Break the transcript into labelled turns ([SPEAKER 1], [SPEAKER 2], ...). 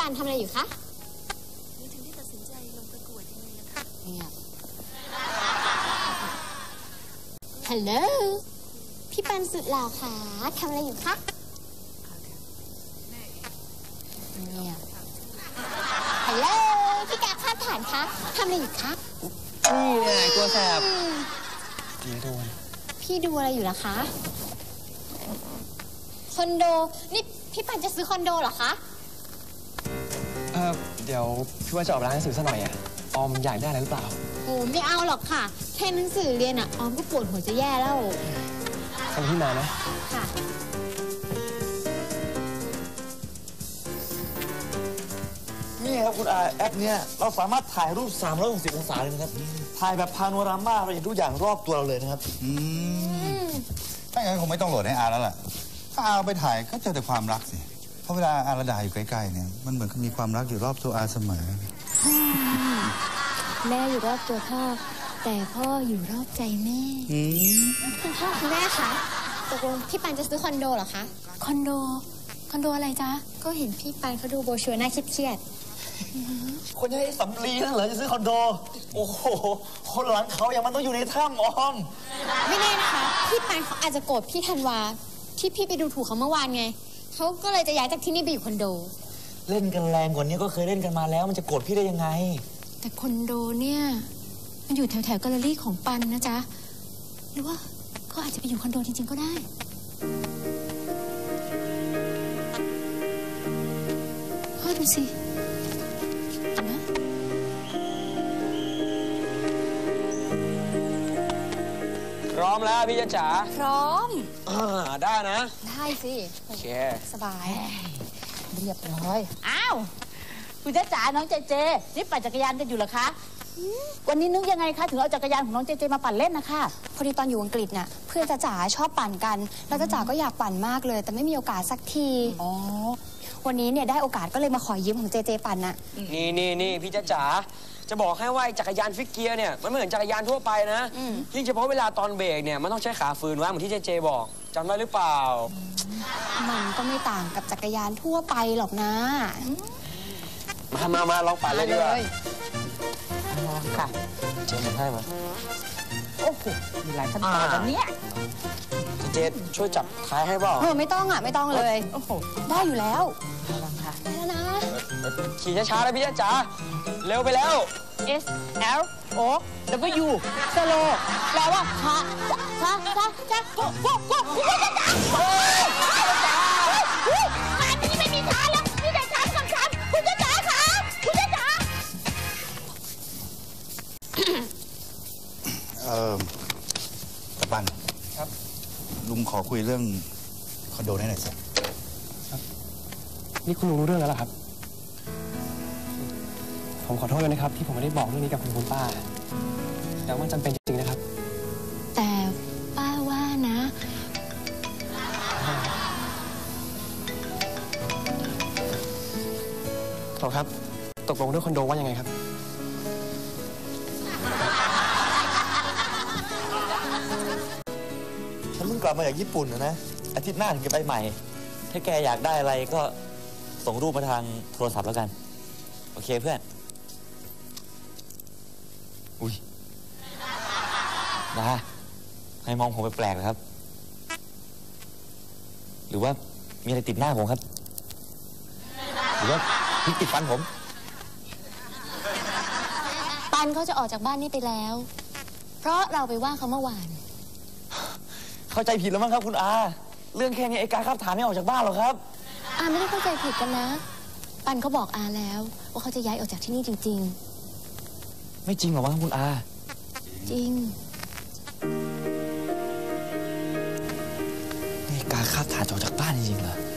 [SPEAKER 1] านทำอะไรอยู่คะ
[SPEAKER 2] นี่ถึงได้ตัดสินใจลงประกวดยังไงล่ะคะ
[SPEAKER 1] เงียบฮัลโหลพี่ปันสุดหล่อค่ะทำอะไรอยู่คะเงียบฮัลโหลพี่กาข้ามฐานคะทำอะไรอยู่คะ
[SPEAKER 3] นี่ไงตัวแสบ
[SPEAKER 1] พี่ดูอะไรอยู่ล่ะคะคอนโดนี่พี่ปันจะซื้อคอนโดเหรอคะ
[SPEAKER 3] เดี๋ยวพี่ว่าจะออกร้านหนังสือซะหน่อยออมอยากได้อะไรหรือเปล่า
[SPEAKER 1] โอ้ไม่เอาหรอกค่ะแค่หนังสือเรียนออมก็ปวดหัวจะแย่แล้ว
[SPEAKER 3] ฟังพี่มานะ
[SPEAKER 1] ค่ะ
[SPEAKER 4] นี่ครับคุณอาแอปเนี้ยเราสามารถถ่ายรูป360องศาเลยนะครับถ่ายแบบพาโนรามาเราเห็นทุกอย่างรอบตัวเราเลยนะครับ
[SPEAKER 5] ถ้าอย่างนั้นคงไม่ต้องโหลดให้อาแล้วล่ะถ้าอาไปถ่ายก็เจอแต่ความรักสิเพราะเวลาอาระดาอยู่ใกล้ๆเนี่ยมันเหมือนกับมีความรักอยู่รอบตัวอาเสมอ
[SPEAKER 1] แม่อยู่รอบตัวพ่อแต่พ่ออยู่รอบใจแม่คุณพ่อคุณแม่คะตกลงพี่ปันจะซื้อคอนโดเหรอคะ
[SPEAKER 2] คอนโดอะไรจ๊ะ
[SPEAKER 1] ก็เห็นพี่ปันเขาดูโบชัวน่าเครียด
[SPEAKER 4] คนยังไอ้สำลีนั่นเหรอจะซื้อคอนโดโอ้โหคนหลังเขาอย่างมันต้องอยู่ในถ้ำออม
[SPEAKER 1] ไม่แน่นะคะพี่ปันเขาอาจจะโกรธพี่ธันวาที่พี่ไปดูถูกเขาเมื่อวานไงเขาก็เลยจะย้ายจากที่นี่ไปอยู่คอนโด
[SPEAKER 4] เล่นกันแรงกว่านี้ก็เคยเล่นกันมาแล้วมันจะโกรธพี่ได้ยังไง
[SPEAKER 2] แต่คอนโดเนี่ยมันอยู่แถวแกลเลอรี่ของปันนะจ๊ะหรือว่าเขาอาจจะไปอยู่คอนโดจริงๆก็ได้ดูสินะ
[SPEAKER 3] พร้อมแล้วพี่จ๋า
[SPEAKER 1] พร้อม
[SPEAKER 3] ได้นะ
[SPEAKER 1] ได้สิ
[SPEAKER 3] โอเค
[SPEAKER 1] สบาย
[SPEAKER 6] เรียบร้อยอ้าวคุณจ๊ะจ๋าน้องเจเจนี่ปั่นจักรยานกันอยู่เหรอคะวันนี้นึกยังไงคะถึงเอาจักรยานของน้องเจเจมาปั่นเล่นนะคะ
[SPEAKER 1] พอดีตอนอยู่อังกฤษน่ะเพื่อนจ๊ะจ๋าชอบปั่นกันแล้วจ๊ะจ๋าก็อยากปั่นมากเลยแต่ไม่มีโอกาสสักที
[SPEAKER 6] อ๋อ
[SPEAKER 1] วันนี้เนี่ยได้โอกาสก็เลยมาขอยืมของเจเจปั่นน่ะ
[SPEAKER 3] นี่พี่จ๋าจะบอกให้ว่าจักรยานฟิกเกียร์เนี่ยมันไม่เหมือนจักรยานทั่วไปนะยิ่งเฉพาะเวลาตอนเบรกเนี่ยมันต้องใช้ขาฝืนว่าเหมือนที่เจบอกจำได้หรือเปล่า
[SPEAKER 1] มันก็ไม่ต่างกับจักรยานทั่วไปหรอกนะ
[SPEAKER 3] มาลองปั่นเลยดีกว่า
[SPEAKER 6] ค่ะ
[SPEAKER 3] เจมันให้มา
[SPEAKER 6] โอ้โหมีหลายขั้นตอนแบบนี้
[SPEAKER 3] เจช่วยจับท้ายให้เปล่า
[SPEAKER 1] ไม่ต้องไม่ต้องเลยโอ้โหได้อยู่แล้วได้แล้วนะ
[SPEAKER 3] ขี่ช้าๆเลยพี่จ๋าเร็วไปแล้ว
[SPEAKER 6] S L O W สโลแปลว่าช้า
[SPEAKER 1] มันนี่ไม่มีช้าแล้วมีแต่ช้ากับช้าคุณจ๊ะจ๋าค่ะคุณจ๊ะจ๋า
[SPEAKER 5] ตะปัน
[SPEAKER 3] ครับ
[SPEAKER 5] ลุงขอคุยเรื่องคอนโดนี้หน่อยสิ
[SPEAKER 3] ครับนี่คุณลุงรู้เรื่องแล้วเหรอครับผมขอโทษเลยนะครับที่ผมไม่ได้บอกเรื่องนี้กับคุณป้าแต่ว่าจำเป็นจริงๆนะครับ
[SPEAKER 2] แต่ป้าว่านะ
[SPEAKER 3] ต่อครับตกลงเรื่องคอนโดว่ายังไงครับ
[SPEAKER 4] ฉันเพิ่งกลับมาจากญี่ปุ่นนะอาทิตย์หน้าถึงจะไปใหม่ถ้าแกอยากได้อะไรก็ส่งรูปมาทางโทรศัพท์แล้วกันโอเคเพื่อนอุ้ยนะให้มองผมแปลกๆนะครับหรือว่ามีอะไรติดหน้าผมครับหรือว่าพิกติดฟันผม
[SPEAKER 2] ปันเขาจะออกจากบ้านนี้ไปแล้วเพราะเราไปว่าเขาเมื่อวาน
[SPEAKER 4] เข้าใจผิดแล้วมั้งครับคุณอาเรื่องแค่นี้ไอ้การขับฐานไม่ออกจากบ้านหรอกครับ
[SPEAKER 2] อาไม่ได้เข้าใจผิดกันนะปันเขาบอกอาแล้วว่าเขาจะย้ายออกจากที่นี่จริง
[SPEAKER 4] ๆไม่จริงหรอวะคุณอา
[SPEAKER 2] จริง
[SPEAKER 4] นี่การขับฐานออกจากบ้านจริงๆเหรอ